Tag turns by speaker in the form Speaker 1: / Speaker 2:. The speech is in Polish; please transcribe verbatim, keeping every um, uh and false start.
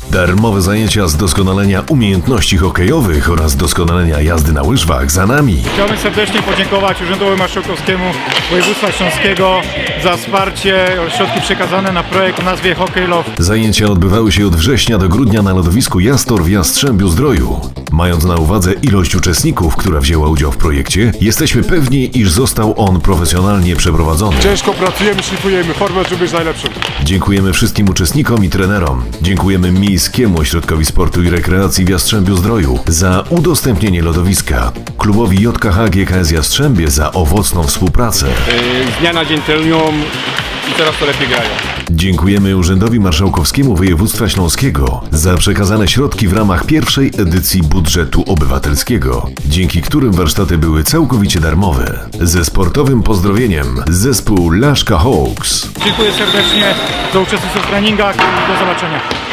Speaker 1: Darmowe zajęcia z doskonalenia umiejętności hokejowych oraz doskonalenia jazdy na łyżwach za nami.
Speaker 2: Chciałbym serdecznie podziękować Urzędowi Marszałkowskiemu Województwa Śląskiego za wsparcie, środki przekazane na projekt o nazwie Hockey Love.
Speaker 1: Zajęcia odbywały się od września do grudnia na lodowisku Jastor w Jastrzębiu Zdroju. Mając na uwadze ilość uczestników, która wzięła udział w projekcie, jesteśmy pewni, iż został on profesjonalnie przeprowadzony.
Speaker 3: Ciężko pracujemy, szlifujemy formę, żeby być najlepszym.
Speaker 1: Dziękujemy wszystkim uczestnikom i trenerom. Dziękujemy Miejskiemu Ośrodkowi Sportu i Rekreacji w Jastrzębiu Zdroju za udostępnienie lodowiska, klubowi J K H G K S Jastrzębie za owocną współpracę.
Speaker 4: Z dnia na dzień trenują i coraz to lepiej grają.
Speaker 1: Dziękujemy Urzędowi Marszałkowskiemu Województwa Śląskiego za przekazane środki w ramach pierwszej edycji budżetu obywatelskiego, dzięki którym warsztaty były całkowicie darmowe. Ze sportowym pozdrowieniem zespół Laszka Hawks.
Speaker 2: Dziękuję serdecznie za uczestnictwo w treningach i do zobaczenia.